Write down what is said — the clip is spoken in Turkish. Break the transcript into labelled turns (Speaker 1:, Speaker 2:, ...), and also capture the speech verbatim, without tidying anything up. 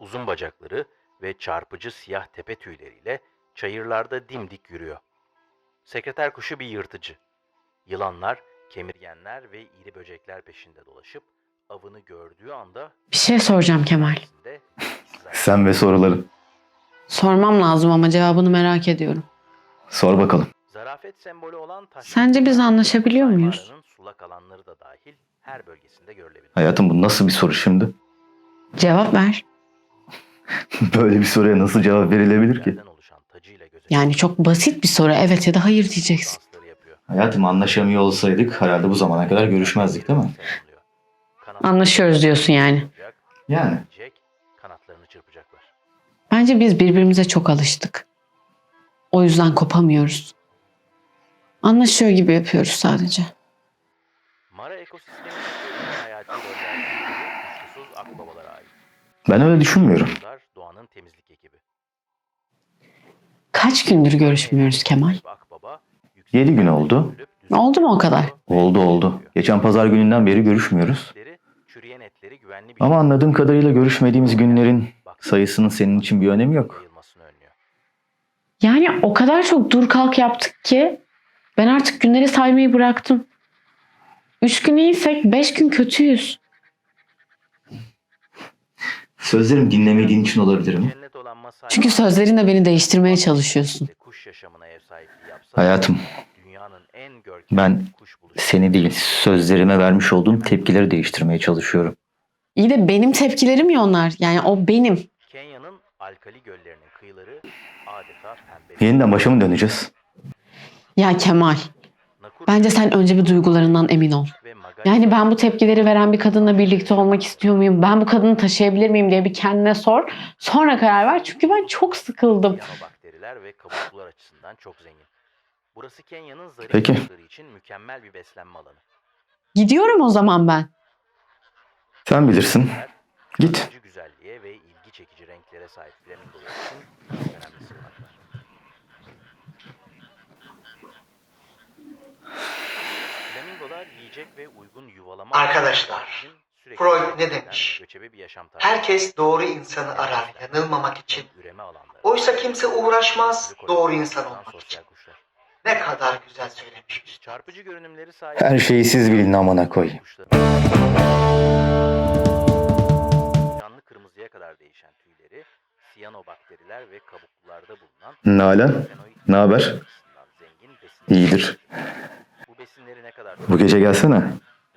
Speaker 1: uzun bacakları ve çarpıcı siyah tepe tüyleriyle çayırlarda dimdik yürüyor. Sekreter kuşu bir yırtıcı. Yılanlar, kemirgenler ve iri böcekler peşinde dolaşıp avını gördüğü anda
Speaker 2: Bir şey soracağım Kemal.
Speaker 3: Sen ve soruların.
Speaker 2: Sormam lazım ama cevabını merak ediyorum.
Speaker 3: Sor bakalım.
Speaker 1: zarafet sembolü olan taş.
Speaker 2: Sence biz anlaşabiliyor muyuz?
Speaker 1: Mağaranın sulak alanları da dahil her bölgesinde görülebilir.
Speaker 3: Hayatım, bu nasıl bir soru şimdi?
Speaker 2: Cevap ver.
Speaker 3: Böyle bir soruya nasıl cevap verilebilir ki?
Speaker 1: Yerden oluşan tacıyla göze
Speaker 2: Yani çok basit bir soru. Evet ya da hayır diyeceksin.
Speaker 1: dansları yapıyor.
Speaker 3: Hayatım, anlaşamıyor olsaydık herhalde bu zamana kadar görüşmezdik, değil mi?
Speaker 2: Anlaşıyoruz diyorsun yani.
Speaker 3: Yani.
Speaker 1: Jack kanatlarını çırpacaklar.
Speaker 2: Bence biz birbirimize çok alıştık. O yüzden kopamıyoruz. Anlaşıyor gibi yapıyoruz sadece.
Speaker 1: Mara ekosistemindeki en hayati rollerden biri kuşkusuz akbabalara ait.
Speaker 3: Ben öyle düşünmüyorum.
Speaker 1: Bunlar doğanın temizlik ekibi.
Speaker 2: Kaç gündür görüşmüyoruz Kemal?
Speaker 1: Akbaba,
Speaker 3: Yedi gün oldu.
Speaker 2: Oldu mu o kadar?
Speaker 3: Oldu oldu. Geçen pazar gününden beri görüşmüyoruz.
Speaker 1: Çürüyen etleri güvenli bir
Speaker 3: Ama anladığım kadarıyla görüşmediğimiz günlerin sayısının senin için bir önemi yok.
Speaker 1: yayılmasını önlüyor.
Speaker 2: Yani o kadar çok dur kalk yaptık ki ben artık günleri saymayı bıraktım. Üç gün iyiysek beş gün kötüyüz.
Speaker 3: Sözlerimi dinlemediğin için olabilir mi?
Speaker 1: Cennet olan Masai
Speaker 2: Çünkü sözlerinle beni değiştirmeye çalışıyorsun.
Speaker 1: kuş yaşamına ev sahipliği yapsa
Speaker 3: Hayatım,
Speaker 1: dünyanın en görkemli
Speaker 3: ben
Speaker 1: kuş buluşu.
Speaker 3: seni değil, sözlerime vermiş olduğum tepkileri değiştirmeye çalışıyorum.
Speaker 2: İyi de benim tepkilerim ya onlar. Yani o benim.
Speaker 1: Kenya'nın alkali göllerinin kıyıları adeta pembe.
Speaker 3: Yeniden başa mı döneceğiz?
Speaker 2: Ya Kemal,
Speaker 1: Nakuru
Speaker 2: bence sen önce bir duygularından emin ol.
Speaker 1: ve Magari-
Speaker 2: Yani ben bu tepkileri veren bir kadınla birlikte olmak istiyor muyum? Ben bu kadını taşıyabilir miyim diye bir kendine sor. Sonra karar ver. Çünkü ben çok sıkıldım.
Speaker 1: Siyanobakteriler ve kabuklular açısından çok zengin. Burası Kenya'nın zarif
Speaker 3: Peki.
Speaker 1: kuşları için mükemmel bir beslenme alanı.
Speaker 2: Gidiyorum o zaman ben.
Speaker 3: Sen bilirsin. Git.
Speaker 1: Çarpıcı güzelliğe ve ilgi çekici renklere sahip flamingolar için çok önemli sığınaklar. Flamingolar yiyecek ve uygun yuvalama
Speaker 4: Arkadaşlar,
Speaker 1: alanları için sürekli
Speaker 4: Freud
Speaker 1: hareket
Speaker 4: ne
Speaker 1: eden
Speaker 4: demiş?
Speaker 1: göçebe bir yaşam tarzı.
Speaker 4: Herkes doğru insanı arar yanılmamak için.
Speaker 1: Üreme alanları.
Speaker 4: Oysa kimse uğraşmaz doğru insan olmak için.
Speaker 1: Sosyal kuşlar.
Speaker 4: Ne kadar güzel söylemiş üstad.
Speaker 1: Çarpıcı görünümleri sahip.
Speaker 3: Her şeyi siz bilin amına koyayım.
Speaker 1: Canlı kırmızıya kadar değişen tüyleri, siyanobakteriler ve kabuklularda bulunan
Speaker 3: Nalan,
Speaker 1: flavonoid
Speaker 3: ne haber?
Speaker 1: açısından zengin besin.
Speaker 3: İyidir.
Speaker 1: Bu besinleri ne kadar
Speaker 3: Bu gece gelsene.